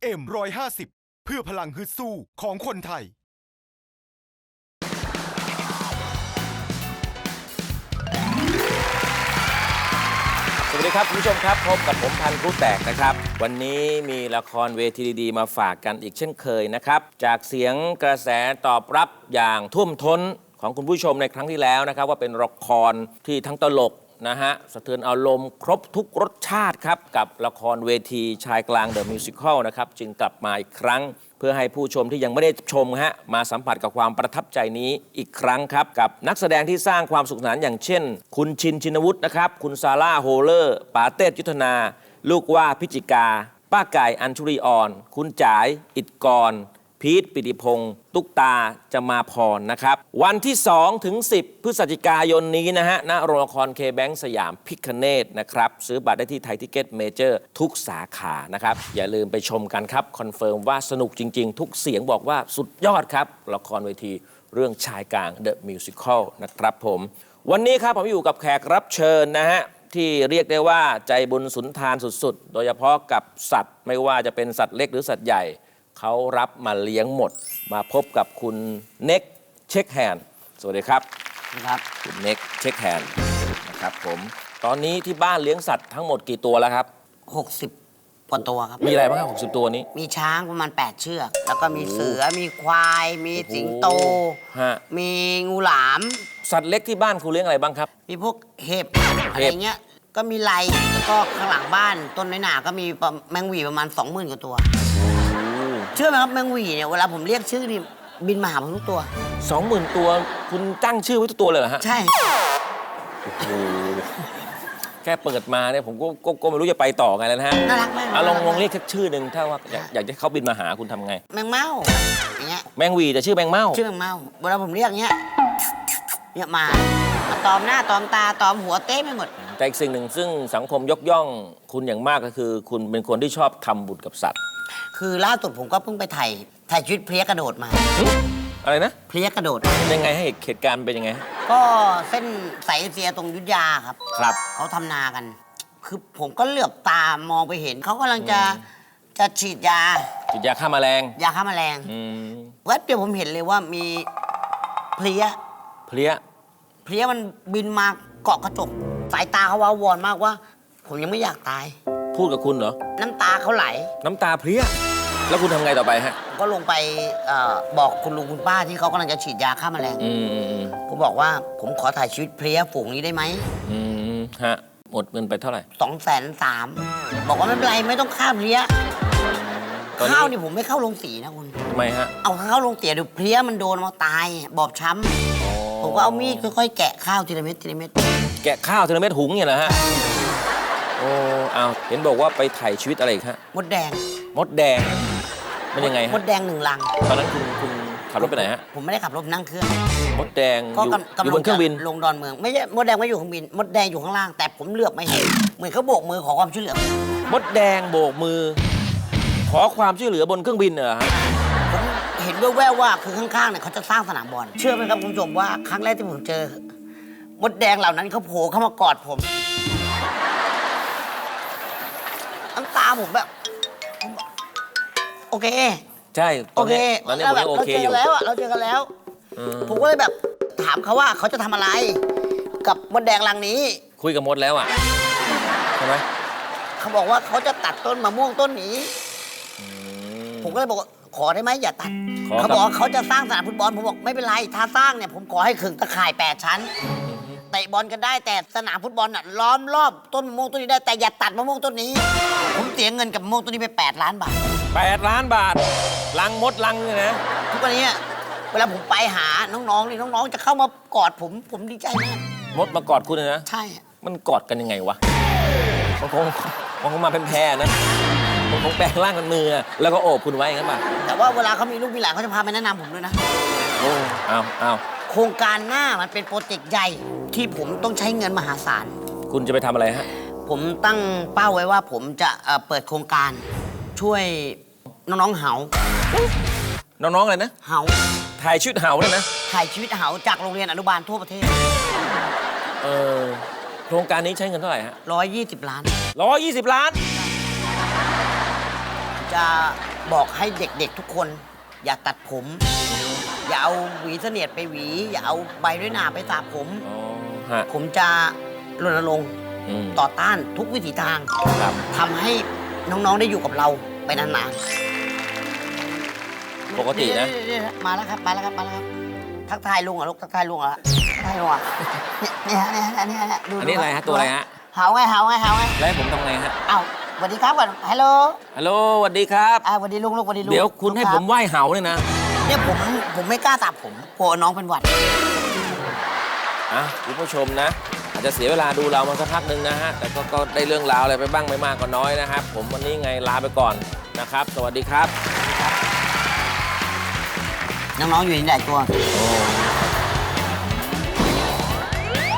FM 150เพื่อพลังฮึดสู้ของคนไทยสวัสดีครับคุณผู้ชมครับพบกับผมพันธุ์ผู้แตกนะครับวันนี้มีละครเวทีดีๆมาฝากกันอีกเช่นเคยนะครับจากเสียงกระแสตอบรับอย่างท่วมท้นของคุณผู้ชมในครั้งที่แล้วนะครับว่าเป็นละครที่ทั้งตลกนะฮะสะเทือนอารมณ์ครบทุกรสชาติครับกับละครเวทีชายกลางเดอะมิวสิคลนะครับจึงกลับมาอีกครั้งเพื่อให้ผู้ชมที่ยังไม่ได้ชมฮะมาสัมผัสกับความประทับใจนี้อีกครั้งครับกับนักแสดงที่สร้างความสุขสนานอย่างเช่นคุณชินชินวุฒินะครับคุณซาร่าโฮเลอร์ปาเต้ยุทธนาลูกว่าพิจิกาป้าไก่อัญชุรีอ่อนคุณจ๋ายอิฐกรพีทปิติพงศ์ตุ๊กตาจะมาพรนะครับวันที่2 ถึง 10 พฤศจิกายนนี้นะฮะณโรงละครเคแบงค์สยามพิคเนตนะครับซื้อบัตรได้ที่ไทยทิเก็ตเมเจอร์ทุกสาขานะครับอย่าลืมไปชมกันครับคอนเฟิร์มว่าสนุกจริงๆทุกเสียงบอกว่าสุดยอดครับละครเวทีเรื่องชายกลาง The Musical นะครับผมวันนี้ครับผมอยู่กับแขกรับเชิญนะฮะที่เรียกได้ว่าใจบุญสุนทานสุดๆโดยเฉพาะกับสัตว์ไม่ว่าจะเป็นสัตว์เล็กหรือสัตว์ใหญ่เขารับมาเลี้ยงหมดมาพบกับคุณเน็กเช็คแฮนด์สวัสดีครับครับคุณเน็กเช็คแฮนด์นะครับผมตอนนี้ที่บ้านเลี้ยงสัตว์ทั้งหมดกี่ตัวแล้วครับ 60 กว่าตัวครับมีอะไรบ้างครับ60 ตัวนี้มีช้างประมาณ8 เชือกแล้วก็มีเสือมีควายมีสิงโตมีงูหลามสัตว์เล็กที่บ้านคุณเลี้ยงอะไรบ้างครับมีพวกเห็บอะไรเงี้ยก็มีไลแล้วก็ข้างหลังบ้านต้นน้อยหนาก็มีแมงหวีประมาณ 20,000 กว่าตัวเชื่อไหมครับแมงหวีเนี่ยเวลาผมเรียกชื่อนี่บินมาหาผมทุกตัว 20,000 ตัวคุณตั้งชื่อไว้ทุกตัวเลยเหรอฮะใช่โอ้โหแค่เปิดมาเนี่ยผมก็ไม่รู้จะไปต่อไงแล้วนะฮะน่ารักมากลองเรียกแค่ชื่อหนึ่งถ้าว่าอยากจะเขาบินมาหาคุณทำไงแมงเม่าอย่างเงี้ยแมงหวีแต่ชื่อแมงเม่าชื่อแมงเม่าเวลาผมเรียกเงี้ยมาตอมหน้าตอมตาตอมหัวเต้ไม่หมดแต่อีกสิ่งหนึ่งซึ่งสังคมยกย่องคุณอย่างมากก็คือคุณเป็นคนที่ชอบทำบุญกับสัตว์คือล่าสุดผมก็เพิ่งไปถ่ายชีวิตเพลี้ยกระโดดมาอะไรนะเพลี้ยกระโดดยังไงให้เหตุการณ์เป็นยังไงก็เส้นสายเอเชียตรงยุทธยาครับเขาทำนากันคือผมก็เหลือบตามองไปเห็นเขากำลังจะฉีดยาฆ่าแมลงยาฆ่าแมลงแวบเดียวผมเห็นเลยว่ามีเพลี้ยมันบินมาเกาะกระจกสายตาเขาว้าวอนมากว่าผมยังไม่อยากตายพูดกับคุณเหรอน้ำตาเขาไหลน้ำตาเพลี้ยแล้วคุณทำไงต่อไปฮะก็ลงไปบอกคุณลุงคุณป้าที่เขากำลังจะฉีดยาฆ่าแมลงผมบอกว่าผมขอถ่ายชีวิตเพลี้ยฝูงนี้ได้ไหมฮะหมดเงินไปเท่าไหร่ 230,000บอกว่าไม่เป็นไรไม่ต้องฆ่าเพลี้ยข้าวนี่ผมไม่เข้าโรงสีนะคุณทำไมฮะเอาเข้าโรงเตี๋ยเดี๋ยวเพลี้ยมันโดนมาตายบอบช้ำผมก็เอามีดค่อยๆแกะข้าวทีละเม็ดแกะข้าวทีละเม็ดหุงเนี่ยนะฮะโอ้เอาเห็นบอกว่าไปถ่ายชีวิตอะไรอีกฮะมดแดงมันยังไงฮะมดแดง1 ลังตอนนั้นคุณขับรถไปไหนฮะผมไม่ได้ขับรถนั่งเครื่องมดแดงอยู่บนเครื่องบินลงดอนเมืองไม่ใช่มดแดงไม่อยู่เครื่องบินมดแดงอยู่ข้างล่างแต่ผมเลือกไม่เห็นเหมือนเขาโบกมือขอความช่วยเหลือมดแดงโบกมือขอความช่วยเหลือบนเครื่องบินเหรอฮะผมเห็นแว่วๆว่าคือข้างๆเนี่ยเขาจะสร้างสนามบอลเชื่อไหมครับคุณผู้ชมว่าครั้งแรกที่ผมเจอมดแดงเหล่านั้นเขาโผล่เข้ามากอดผมน้ำตาผมแบบโอเคใช่โอเคตอนนี้ผมโอเคอยู่เราเจอกันแล้วผมก็เลยแบบถามเขาว่าเขาจะทำอะไรกับมดแดงรังนี้คุยกับมดแล้วอ่ะใช่ไหมเขาบอกว่าเขาจะตัดต้นมะม่วงต้นนี้ผมก็เลยบอกว่าขอได้ไหมอย่าตัดเขาบอกเขาจะสร้างสนามฟุตบอลผมบอกไม่เป็นไรถ้าสร้างเนี่ยผมขอให้ขึงตะข่าย8 ชั้นเตะบอลกันได้แต่สนามฟุตบอลน่ะล้อมรอบต้นมะม่วงต้นนี้ได้แต่อย่าตัดมะม่วงต้นนี้ผมเสียเงินกับมะม่วงต้นนี้ไป8 ล้านบาท 8 ล้านบาทลังมดลังเลยนะทุกวันนี้เวลาผมไปหาน้องๆนี่น้องๆจะเข้ามากอดผมดีใจมากมดมากอดคุณเลยนะใช่มันกอดกันยังไงวะมันคงมาเป็นแพรนะมันคงแปลงร่างกันมือแล้วก็โอบคุณไว้งั้นป่ะแต่ว่าเวลาเขามีลูกมีหลานเขาจะพาไปแนะนำผมด้วยนะเอาโครงการหน้ามันเป็นโปรเจกต์ใหญ่ที่ผมต้องใช้เงินมหาศาลคุณจะไปทำอะไรฮะผมตั้งเป้าไว้ว่าผมจะเปิดโครงการช่วยน้องๆเหาน้องๆอะไรนะเหาถ่ายชีวิตเหาเลยนะถ่ายชีวิตเหาจากโรงเรียนอนุบาลทั่วประเทศโครงการนี้ใช้เงินเท่าไหร่ฮะ 120 ล้าน 120 ล้านจะบอกให้เด็กๆทุกคน อย่าตัดผม อย่าเอาหวีเสนียดไปหวี อย่าเอาใบด้วยหนาไปสระผมอ๋อฮะผมจะรณรงค์มต่อต้านทุกวิถีทางครับทำให้น้องๆได้อยู่กับเราไปนานๆปกตินะเดี๋ยวมาแล้วครับมาแล้วครับมาแล้วครับทักทายลุงเหรอลูกทักทายลุงเหรอทักทายลุงเหรอเนี่ยดูอันนี้อะไรฮะตัวอะไรฮะเห่าไงเห่าไงเห่าไงแล้วให้ผมทำไงฮะเอ้าสวัสดีครับก่อนฮัลโหลฮัลโหลสวัสดีครับสวัสดีลุงลูกสวัสดีลุงเดี๋ยวคุณให้รับผมไหว้เห่าเนี่ยนะเนี่ยผมไม่กล้าสระผมกลัวน้องเป็นหวัดอ่ะคุณผู้ชมนะ อาจจะเสียเวลาดูเรามาสักพักหนึ่งนะฮะ แต่ก็ได้เรื่องราวอะไรไปบ้างไม่มากก็น้อยนะครับ ผมวันนี้ไงลาไปก่อนนะครับ สวัสดีครับน้องๆอยู่ที่ไหนตัวโอ้